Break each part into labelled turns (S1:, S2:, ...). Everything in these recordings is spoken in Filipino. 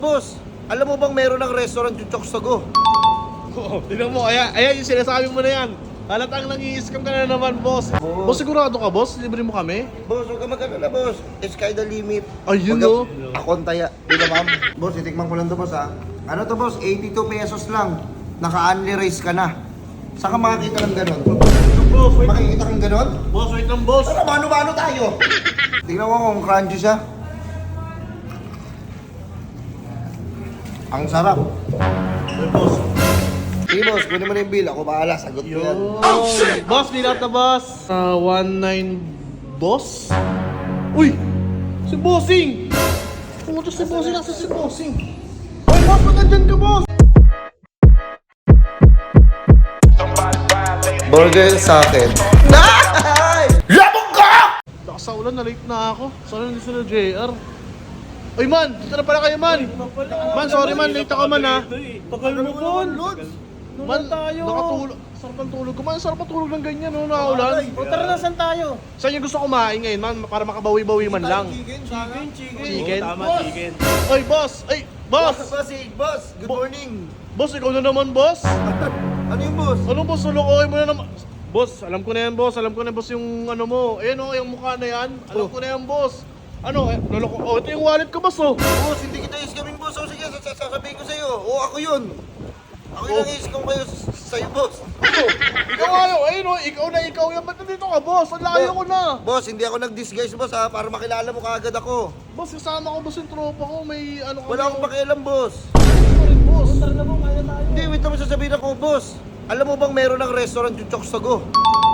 S1: Boss, alam mo bang meron ng restaurant yung Choksogo?
S2: Oo, tignan mo, ayan yung sinasabi mo na yan. Halatang nang-i-scam ka na naman, boss. Boss, sigurado ka, boss? Libre mo kami?
S1: Boss, huwag ka mag-alala, boss. Sky the limit.
S2: Ayun,
S1: Huwag
S2: no?
S1: Akong taya. Di ba, ma'am? Boss, itikman ko lang to, boss, ha? Ano to, boss? 82 pesos lang. Naka-unli rice ka na. Saan ka makakita ng ganon?
S2: Boss, wait.
S1: Makikita kang ganon?
S2: Boss, wait lang, boss.
S1: Ano, mano-mano tayo? Tingnan mo kung crunchy siya. Ang sarap.
S2: Boss.
S1: Sige, boss, kunin mo na yung bill. Ako bahala, sagot ko yan.
S2: Oh, shit! Boss, bilat na, boss. 19, boss? Uy! Si Bossing! Pumunta si Bossing, nasa si Bossing. Uy, boss, magandyan ka, boss!
S1: Burger sa akin. Labog ka!
S2: Lakas sa ulan, na-late na ako. Sana hindi sila JR. Uy, man! Dito na pala kayo, man! Man, sorry, man. Late ako, man, ha?
S3: Tagal mo po, Lods.
S2: Man, nakatulog. Sarap ang tulog ko, man. Sarap ang tulog ng ganyan, no? Nakaulan.
S3: O tara na, saan tayo?
S2: Saan yung gusto kumain ngayon, man? Para makabawi-bawi man lang. Chicken?
S3: Tama, chicken.
S2: Oy, boss! Ay, boss!
S1: Boss, good morning.
S2: Boss, ikaw na naman, boss?
S1: Ano yung boss?
S2: Anong boss? Sulukoy mo na naman. Boss, alam ko na yan, boss. Alam ko na, boss, yung ano mo. Ayan, oh, yung mukha na yan. Alam ko na yan, boss. Ano, loloko. Oh, ito yung wallet ko, boss, oh.
S1: Boss, hindi kita iskamin, boss. O sige, sasabihin ko sa'yo. O, ako yun. Ako yung nang-iskam kayo sa'yo, boss.
S2: Oh, ikaw ayaw. Ayun, oh, ikaw yan. Ba't nandito ka, boss? Ang layo ko na.
S1: Boss, hindi ako nag-disguise, boss, ha? Para makilala mo kaagad ako.
S2: Boss, kasama ko, boss, yung tropa ko. May ano
S1: Wala akong pakialam, boss.
S2: boss.
S3: Tara na po, kaya tayo.
S1: Hindi, wait naman sasabihin ako, boss. Alam mo bang meron ng restaurant yung Choksogo?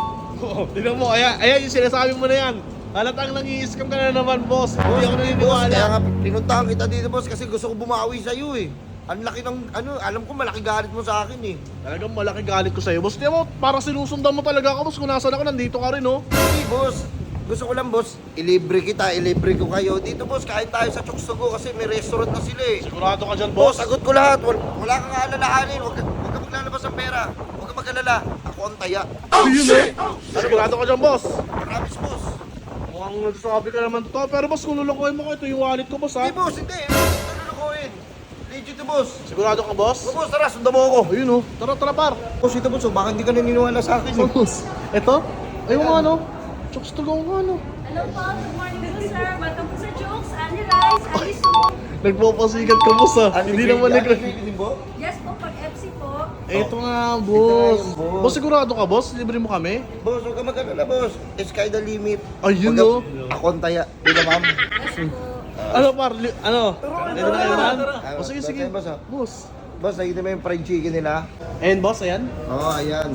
S2: Oo, tignan mo, ayan yung sinasabi mo na yan. Halatang nang-i-scam ka na naman, boss. Hindi ako naniniwala.
S1: Kaya nga, pinuntahan kita dito, boss, kasi gusto ko bumawi sa'yo, eh. Ang laki ng, alam ko malaki galit mo sa akin, eh.
S2: Talagang malaki galit ko sa'yo, boss. Di mo, parang sinusundan mo talaga ako, boss. Kung nasan ako, nandito ka rin, oh.
S1: Hindi, boss. Gusto ko lang, boss, ilibre kita, ilibre ko kayo. Dito, boss, kain tayo sa Choksogo kasi may restaurant na sila, eh.
S2: Sigurado ka dyan,
S1: Boss,
S2: boss.
S1: sagot ko lahat. Wala kang aalalahanin. Huwag ka maglalabas ng pera. Huwag ka mag-alala. Ako ang taya.
S2: Ayun, eh. Sigurado ka dyan, boss.
S1: Promise, boss.
S2: Mukhang nagsasabi ka naman totoo. Pero, boss, kung lulukoy mo ko, ito yung wallet ko, boss, ha?
S1: Hindi, boss, hindi. Ano lukuhin? Legit to, boss.
S2: Sigurado ka, boss?
S1: O, boss, tara, sundan mo ako.
S2: Ayun, oh. Tara, tara, par.
S1: Boss, ito, boss, baka hindi ka naniniwala sa akin.
S2: So, boss, ito? Ayun nga, ano? Chokes to go nga, ano?
S4: Hello po, good morning po sir. Welcome po sa Jokes, Andy Rice, Andy Soup.
S2: Nagpapasikat ka, boss, ha? Hindi naman nag...
S4: Yes po, pag FC po.
S2: Ito nga, boss.
S1: Ito nga yung boss.
S2: Boss, sigurado ka, boss? Libre mo kami?
S1: Boss, huwag ka mag-alala, boss. Sky the limit.
S2: Ayun,
S1: Huwag
S2: oh.
S1: ka- Ako ang taya. Di ba, ma'am?
S4: Yes po.
S2: Ano, par? Ano? Ito na kayo, man?
S1: tara.
S2: O, sige, sige.
S1: Boss, ah.
S2: Boss.
S1: Boss, nakita mo yung fried chicken nila?
S2: Ayan, boss, ayan.
S1: Oo, ayan.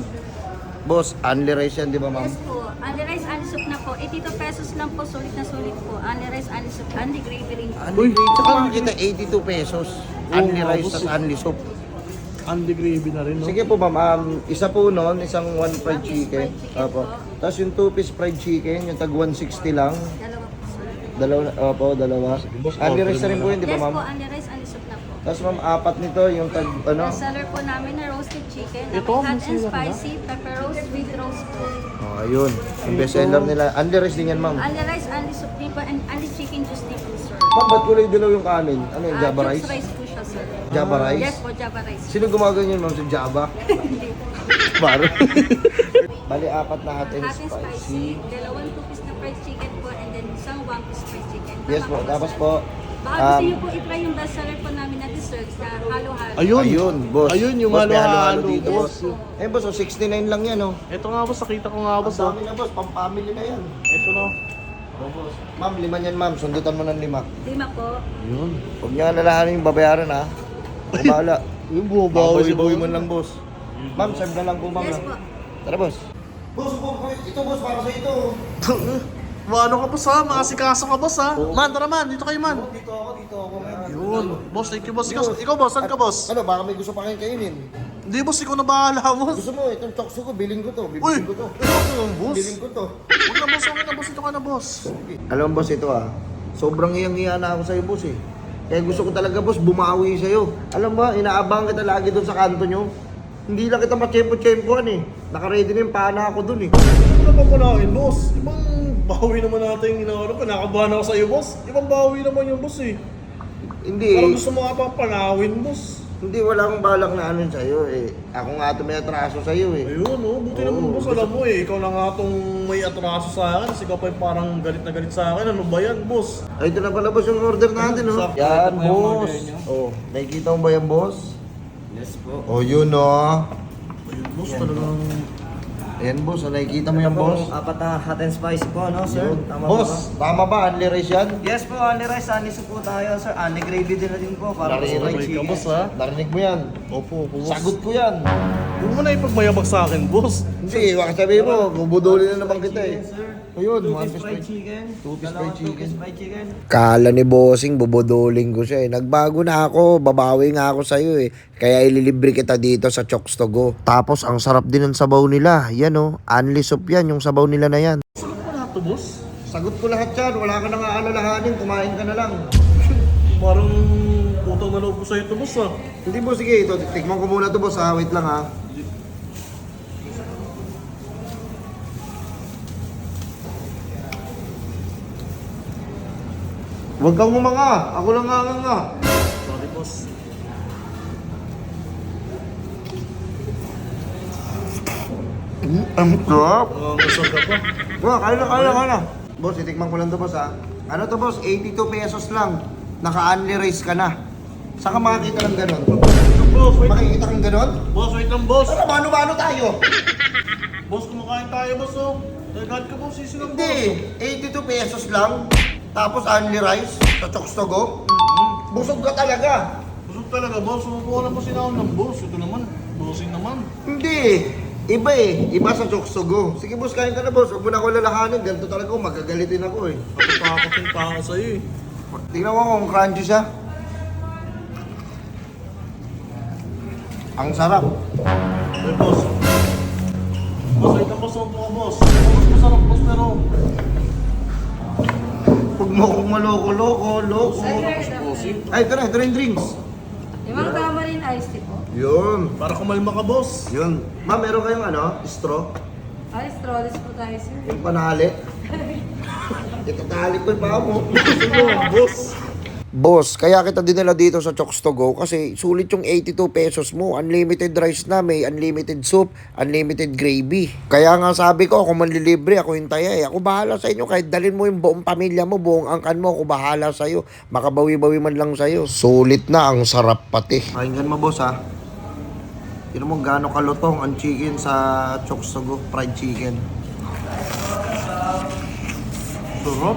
S1: Boss, unli rice yan, di ba, ma'am?
S4: Yes po. Andy Rice, Andy Soup na po. 82 pesos lang po, sulit na sulit po. Andy Rice, Andy Soup, Andy Gravy rin po.
S1: Unli
S2: Uy,
S1: rice. Saka
S2: saka-
S1: makikita 82 pesos.
S2: Oo,
S1: Unli
S2: nga,
S1: rice,
S2: boss,
S1: tas
S2: eh.
S1: unli soup.
S2: Andy gravy na rin, no?
S1: Sige po, ma'am. Isa po noon, isang one fried
S4: One piece
S1: chicken.
S4: fried chicken
S1: Opo.
S4: po.
S1: Tapos yung two piece fried chicken, yung tag 160 lang.
S4: Dalawa po sir.
S1: Dalawa, opo, dalawa.
S2: boss,
S1: Unli
S2: order
S1: rice na rin
S2: mo
S1: po
S2: na.
S1: yun, di ba,
S4: Yes
S1: ma'am?
S4: po, Andy Rice, Andy Soup na po.
S1: Tapos ma'am, apat nito, yung tag, ano?
S4: Best seller po namin na roasted chicken.
S2: Ito,
S4: Hot and
S2: masarap na.
S4: spicy, pepper roast with roast po.
S1: Oh, ayun. Yung best seller nila. Unli rice din yan, ma'am.
S4: Andy Rice, Andy Soup din po, and Andy Chicken Juice din po sir.
S1: Ma'am, ba't kulay dilaw yung kanin? Ano yung Java
S4: Jokes
S1: rice?
S4: rice po siya sir.
S1: Java
S4: Yes
S1: rice?
S4: po, Java rice.
S1: Sino gumagawin yun, ma'am? Sa Java?
S4: Hindi po.
S1: Baro. Bali, apat na hot and
S4: Hot and
S1: spicy.
S4: spicy, dalawang two-piece na fried chicken po, and then isang one-piece fried chicken. Tama
S1: Yes po.
S4: ba,
S1: Tapos
S4: sir?
S1: po,
S4: Baka gusto niyo po i-try yung best seller po namin na desserts na halo-halo.
S2: Ayun.
S1: ayun, boss.
S2: Ayun, yung
S1: Boss, may
S2: halo-halo,
S1: dito,
S4: Yes
S1: boss.
S4: po.
S1: Eh, boss, oh, 69 lang yan, oh.
S2: Ito nga, boss. Nakita ko nga,
S1: Ang
S2: boss, oh.
S1: dami na, boss. Pang-family na yan.
S2: Ito, no?
S1: Oh, boss. Ma'am, lima yan, ma'am. Sundutan mo ng lima.
S4: Lima po.
S2: Ayun.
S1: Huwag niya alalahanin yung babayaran, ha? Kumala.
S2: Yung bumabawi si
S1: Bawi-bawi
S2: boss.
S1: mo lang, boss. Ma'am, serve na lang po, ma'am.
S4: Yes
S1: ha?
S4: po.
S1: Tara, boss. Boss, ito, boss, para sa ito.
S2: Ano ka, boss, ha? Makasikaso ka, boss, ha? Man, tara, man. Dito kayo, man.
S1: Dito ako, ma'am.
S2: Yun. Boss, thank you, boss. Ikaw, boss. Saan ka, boss?
S1: Ano, baka may gusto pa kayong kainin.
S2: Hindi, boss. Ikaw na bahala, boss.
S1: Gusto mo, itong chokso ko, bilhin ko to.
S2: Uy!
S1: Bibilin ko to.
S2: Ikaw na, boss.
S1: Bilhin ko to.
S2: Huwag na, boss. Okay na, boss. Ito ka na, boss.
S1: Alam mo, boss, ito sobrang hiyang-hiya na ako sa'yo, boss, eh. Kaya gusto ko talaga, boss, bumawi sa'yo. Alam mo, inaabangan kita lagi doon sa kanto nyo. Hindi lang kita matsyempo-tsyempoan, eh. Naka-ready na yung pana ako doon, eh.
S2: Ano na bang panahin, boss? Ibang bawi naman natin yung inaano. Kinakabahan ako sa'yo, boss. Ibang bawi naman yung boss, eh.
S1: Hindi.
S2: Parang gusto mo nga pang panawin, boss.
S1: Hindi, wala akong balak na ano sa'yo eh. Ako nga ito may atraso sa'yo eh.
S2: Ayun, oh. Buti
S1: Oo,
S2: naman, boss.
S1: gusto-
S2: Alam mo eh. Ikaw na nga itong may atraso sa akin. Kasi ikaw pa yung parang galit na galit sa akin. Ano ba yan, boss?
S1: Ay, ito na pala boss yung order natin oh.
S2: Sakto.
S1: Yan,
S3: Ito pa yung
S1: boss.
S3: order niyo?
S1: Oh, nakikita mo ba yan, boss?
S3: Yes po.
S1: Oh, yun oh.
S2: Ayun, boss. Talagang...
S1: Ayan, boss. Oh, nakikita mo yan, boss?
S3: Apat na hot and spicy po, no, sir?
S1: Yun.
S3: Tama
S1: Boss, tama ba? Unli rice yan?
S3: ba? Yes po, only rice, only soup po tayo, sir. Only gravy din na din po, para
S1: Narinig
S3: sa fried
S2: ka,
S3: chicken.
S2: boss, ha?
S1: Narinig mo yan.
S2: Opo, boss.
S1: Sagot ko yan.
S2: Huwag mo na ipagmayabag sa akin, boss.
S1: Hindi, baka sabihin mo, bubudulin na naman kita eh.
S3: Chicken, sir.
S1: Ayun,
S3: Two
S1: one
S3: piece
S1: piece
S3: fried
S1: fried-
S3: chicken.
S1: two-piece
S3: Dalawang
S1: fried chicken.
S3: two-piece fried chicken.
S1: Kala ni Bossing, bubuduling ko siya eh. Nagbago na ako, babawi nga ako sa'yo eh. Kaya ililibre kita dito sa Chokes to Go. Tapos, ang sarap din ng sabaw nila. Yan oh, unli soup yan, yung sabaw nila na yan.
S2: Sagot mo lahat to, boss?
S1: Sagot ko lahat yan, wala ka nang aalalahanin, kumain ka na lang.
S2: Parang utang na loob ko sa'yo to, boss, ha?
S1: Hindi boss, sige, ito, tikman ko muna to boss ha, wait lang ha. Huwag kang umanga, ako lang nga.
S2: Sorry, boss.
S1: Ang sarap.
S2: Masarap ka pa.
S1: Kaya na. Boss, itikman ko lang to boss ha. Ano to boss, 82 pesos lang. Naka-unli rice ka na. Saan ka makakita ng ganon?
S2: Boss, wait.
S1: Makikita kang ganon?
S2: Boss, wait lang, boss.
S1: Ano, mano-mano tayo?
S2: Boss, kumakain tayo, boss, oh. Nagad ka, boss. Sisi lang, boss.
S1: Hindi, 82 pesos lang. Tapos unli rice sa Chokes to Go. Busog ka talaga.
S2: Busog talaga, boss. Sumubuha na po sinahon ng boss. Ito naman, bossing naman.
S1: Hindi. Iba eh. Iba sa Chokes to Go. Sige boss, kain ka na boss. Huwag mo na ako lalahanin. Ganito talaga ako. Magagalitin ako eh.
S2: Takot yung tao sa'yo, eh.
S1: Tingnan mo kung crunchy siya. Ang sarap.
S2: Ay, boss. Boss, wait lang, boss. Sumubo ka, boss. Boss, masarap, boss, pero...
S1: Huwag mo akong maloko-loko.
S2: Bossing.
S1: Ay, ito na yung drinks.
S4: Limang tamarin iced tea po.
S1: Yun.
S2: Para kumalma ka, boss.
S1: Yun. Ma'am, meron kayong ano? Straw?
S4: Ay, strawless po tayo, sir.
S1: Yung panali? Ito tali ko yung paa mo.
S2: Boss.
S1: Boss, kaya kita dinala dito sa Chokes to Go kasi sulit yung 82 pesos mo. Unlimited rice na, may unlimited soup, unlimited gravy. Kaya nga sabi ko, ako manlilibre, ako yung taya eh. Ako bahala sa inyo, kahit dalhin mo yung buong pamilya mo, buong angkan mo, ako bahala sa'yo. Makabawi-bawi man lang sa'yo. Sulit na, ang sarap pati. Pakinggan mo boss ha. Tignan mo gaano kalutong ang chicken sa Chokes to Go, fried chicken.
S2: Sarap.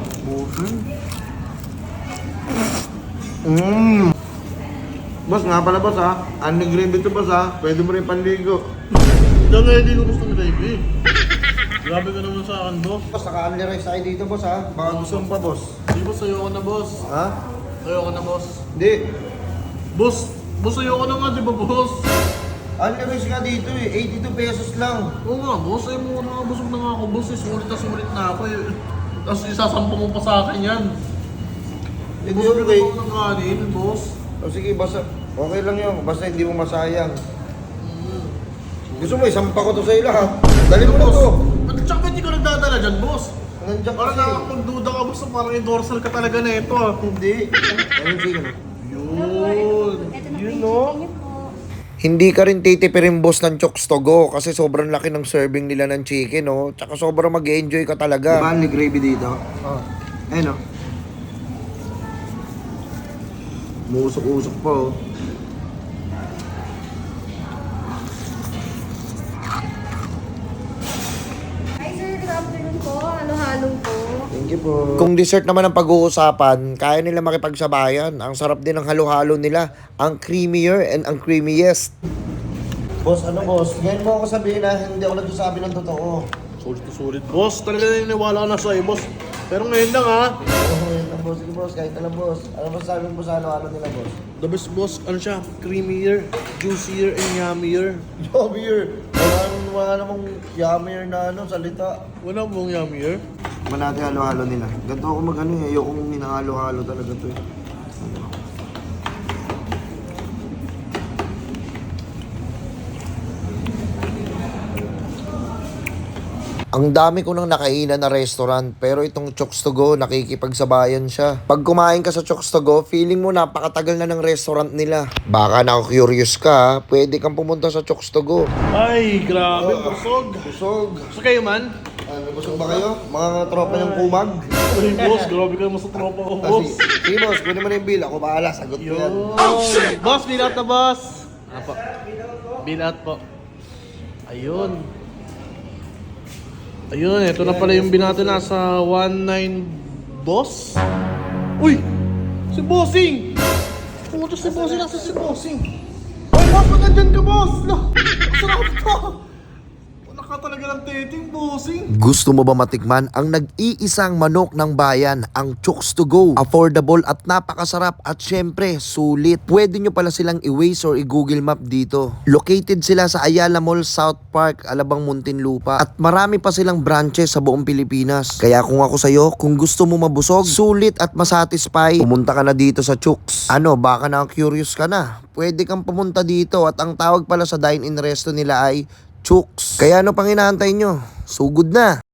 S1: Boss, nga pala boss ha. Unli gravy to boss ha. Pwede mo rin panligo.
S2: Diyan na hindi ko gusto ng gravy. Grabe ka naman sa akin, boss.
S1: Boss, naka-unli rice tayo dito boss ha. Baka gusto mo pa boss.
S2: Hindi, boss. Ayoko na, boss.
S1: Ha?
S2: Ayoko na, boss.
S1: Hindi.
S2: Boss, boss, ayoko na nga, di ba, boss?
S1: Unli rice nga dito eh. 82 pesos lang.
S2: Oo nga, boss. Ay mo na nga, busog na nga ako, boss. Sulit na ako eh. Tapos isasampung mo pa sa akin yan.
S1: Hindi
S2: Busog
S1: okay.
S2: na ako ng kanin, boss.
S1: O sige, basta okay lang yun. Basta hindi mo masayang. Gusto mo, isampa ko to sa ila ha. Dali mo na to.
S2: At tsaka ba't di ka nagdadala dyan, boss?
S1: Nandiyan
S2: Parang
S1: kasi.
S2: nakakapagduda ka, boss. Parang endorsal ka talaga na ito, ah.
S1: Hindi. Ayun, sige na.
S2: Yun.
S4: Ito na po
S2: Yun,
S4: yung
S2: no?
S4: chicken niyo po.
S1: Hindi ka rin titipirin boss ng Chokes to Go kasi sobrang laki ng serving nila ng chicken, oh. Tsaka sobrang mag-enjoy ka talaga. Diba may gravy dito? Oo. Ayun, oh. Musok-usok pa, oh.
S4: Hi, sir. Good afternoon po. Halo-halong po.
S1: Thank you po. Kung dessert naman ang pag-uusapan, kaya nila makipagsabayan. Ang sarap din ng halo-halo nila. Ang creamier and ang creamiest. Boss, ano boss? Ngayon mo ako sabihin na hindi ako nagsasabi ng totoo.
S2: Sulit na sulit, boss. Talaga naniniwala ka na sa'yo, boss. Pero ngayon lang, ha?
S1: Oo, yun lang boss. Sige boss, kahit alam boss. Ano ba sabi mo sa ano nila boss?
S2: The best, boss. Ano siya? Creamier, juicier, and yummier.
S1: Yummier! Wala namang yummier na ano, salita.
S2: Wala mong yummier?
S1: Ba natin halo-halo nila. Ganito ako mag-ano eh. Ayokong hinahalo-halo talaga to eh. Ang dami ko nang nakainan na restaurant, pero itong Chokes to Go, nakikipagsabayan siya. Pag kumain ka sa Chokes to Go, feeling mo napakatagal na ng restaurant nila. Baka na-curious ka, pwede kang pumunta sa Chokes to Go.
S2: Ay, grabe, busog.
S1: Busog.
S2: Gusto kayo man?
S1: Ano, busog ba kayo? Mga tropa ng kumag?
S2: Ay, boss, grabe kayo mas sa tropa ko, boss.
S1: Sige boss, kunin mo na yung bill. Ako bahala, sagot ko yan.
S2: Boss, bill out na, boss. Apo. Bill out po. Ayun. Ayun, ito na pala yung binato nasa 19 boss. Uy! Si Bossing! Pumunta si Bossing, nasa si Bossing. Ay, boss, ba't nandyan ka, boss? Sarap to! Wala ka talaga ng teting, Bossing.
S1: Gusto mo ba matikman ang nag-iisang manok ng bayan, ang Chokes to Go? Affordable at napakasarap at syempre, sulit. Pwede nyo pala silang i-Waze or i-Google Map dito. Located sila sa Ayala Mall, South Park, Alabang, Muntinlupa. At marami pa silang branches sa buong Pilipinas. Kaya kung ako sa'yo, kung gusto mo mabusog, sulit at masatisfy, pumunta ka na dito sa Chokes. Ano, baka na-curious ka na? Pwede kang pumunta dito at ang tawag pala sa dine-in resto nila ay Chokes. Kaya ano pang inaantay nyo? Sugod na!